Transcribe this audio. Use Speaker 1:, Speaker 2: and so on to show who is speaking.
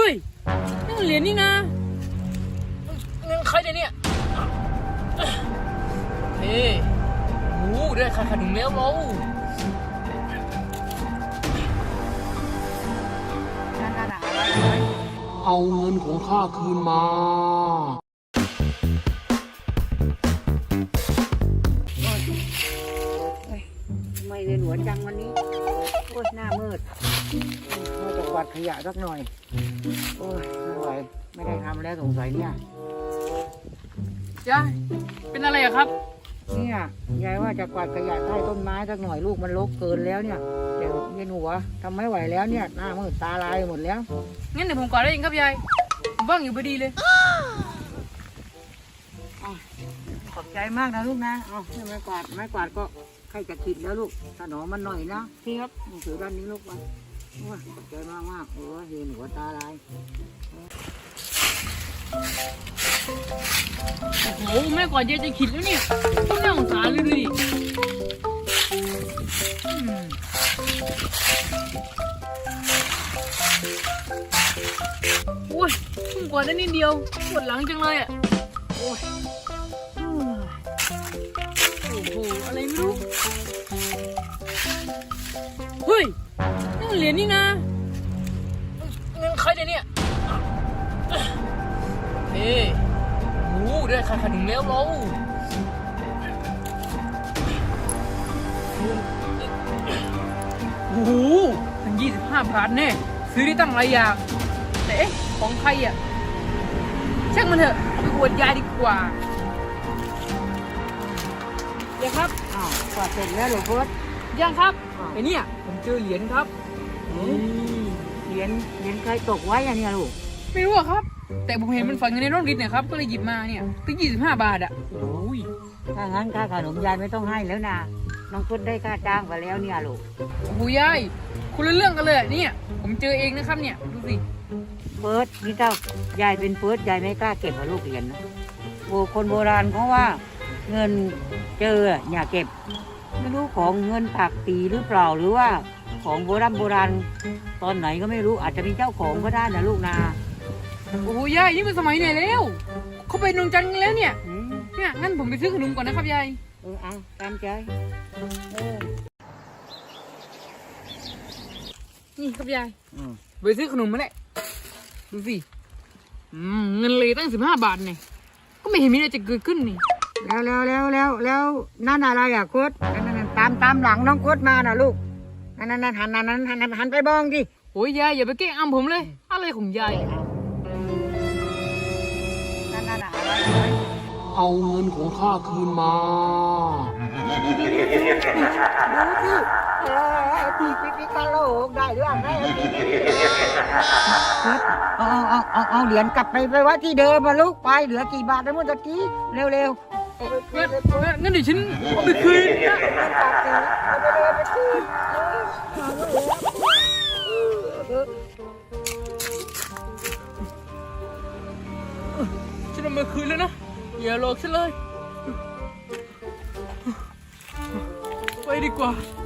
Speaker 1: ยนี่มันเหรียญนี่นะเงินใครเนี่ยเฮ้โอ้ได้ค่าขนมแล้วเรา
Speaker 2: เอาเงินของข้าคืนมา
Speaker 3: ไม่เวียนหัวจังวันนี้โอ้ยหน้ามืดเราจะกวาดขยะสักหน่อยโอ้ยไม่ไหวไม่ได้ทำแล้วสงสัยเนี่ย
Speaker 1: ยายเป็นอะไรอะครับ
Speaker 3: เนี่ยยายว่าจะกวาดขยะใต้ต้นไม้สักหน่อยลูกมันรกเกินแล้วเนี่ยเดี๋ยวเวียนหัวทำไม่ไหวแล้วเนี่ยหน้ามืดตาลายหมดแล้ว
Speaker 1: งั้นเดี๋ยวผมกวาดได้เองครับยายผมว่างอยู่พอดีเลย
Speaker 3: ขอบใจมากนะลูกนะเอาไม้กวาดก็ใครจะขิดแล้วลูกถนอมมันหน่อยนะพี่ครับหนังสือด้านนี้ลูกไปโอ้ยขอบใจมากโอ้ยเวียนหัวตาลาย
Speaker 1: โอ้โหแม่กวาดยายจะขิดแล้วเนี่ยต้องน่าสงสารเลยดิโอ้ยเพิ่งกวาดได้นิดเดียวปวดหลังจังเลยอ่ะโอ้ยโอ้โหอะไรไม่รู้เฮ้ยนี่มันเหรียญนี่นะเงินใครเนี่ยเฮ้โอ้ได้ค่าขนมแล้วเราโอ้โหทั้ง25 บาทแน่ซื้อได้ตั้งหลายอย่างแต่เอ๊ะของใครอ่ะช่างมันเถอะไปอวดยายดีกว่าเดี๋ยวครับ
Speaker 3: อ้าวกวาดเสร็จแล้วเหรอพุทธ
Speaker 1: ยังครับไอ้เนี่ยผมเจอเหรียญครับ
Speaker 3: เหรียญใครตกไว้อะเนี่ยลูก
Speaker 1: ไม่รู้อะครับแต่ผมเห็นมันฝังอยู่ในร่องดินเนี่ยครับก็เลยหยิบมาเนี่ยตั้ง25 บาทอ่ะโอ้ย
Speaker 3: ถ้างั้นค่าขนมยายไม่ต้องให้แล้วนะน้องพุทธได้ค่าจ้างไปแล้วเนี่ยลูก
Speaker 1: โอ้โหยายคุณละเรื่องกันเลยเนี่ยผมเจอเองนะครับเนี่ยดูสิ
Speaker 3: เฟิร์สนี่เจ้ายายเป็นเฟิร์สยายไม่กล้าเก็บกับลูกเหรียญนะโอ้คนโบราณเขาว่าเงินเจออย่าเก็บไม่รู้ของเงินผักตีหรือเปล่าหรือว่าของโบราณตอนไหนก็ไม่รู้อาจจะมีเจ้าของก็ได้นะลูกนา
Speaker 1: โอ้โหยายนี่มันสมัยไหนแล้วเขาไปนงจันทร์กันแล้วเนี่ยงั้นผมไปซื้อขนมก่อนนะครับยาย
Speaker 3: เอาตามใจ
Speaker 1: นี่ครับยายไปซื้อขนมมาแหละดูสิเงินเลยตั้ง15 บาทเนี่ยก็ไม่เห็นมีอะไรจะเกิดขึ้นนี่
Speaker 3: แล้วนั่นอะไรอ่ะโค้ดนั่นตามหลังน้องโค้ดมาน่ะลูกนั่นหันไปมองดิ
Speaker 1: โอ้ยยายอย่าไปแกล้งอ้ำผมเลยอะไรของยาย
Speaker 2: เอาเงินของข้าคืนมา
Speaker 3: พี่กะโหลกได้เรื่องได้เอาเหรียญกลับไปไว้ที่เดิมมาลูกไปเหลือกี่บาทแล้วเมื่อกี้เร็ว
Speaker 1: งั้นเดี๋ยวฉันเอาไปคืนฉันเอามาคืนแล้วนะอย่าหลอกฉันเลยไปดีกว่า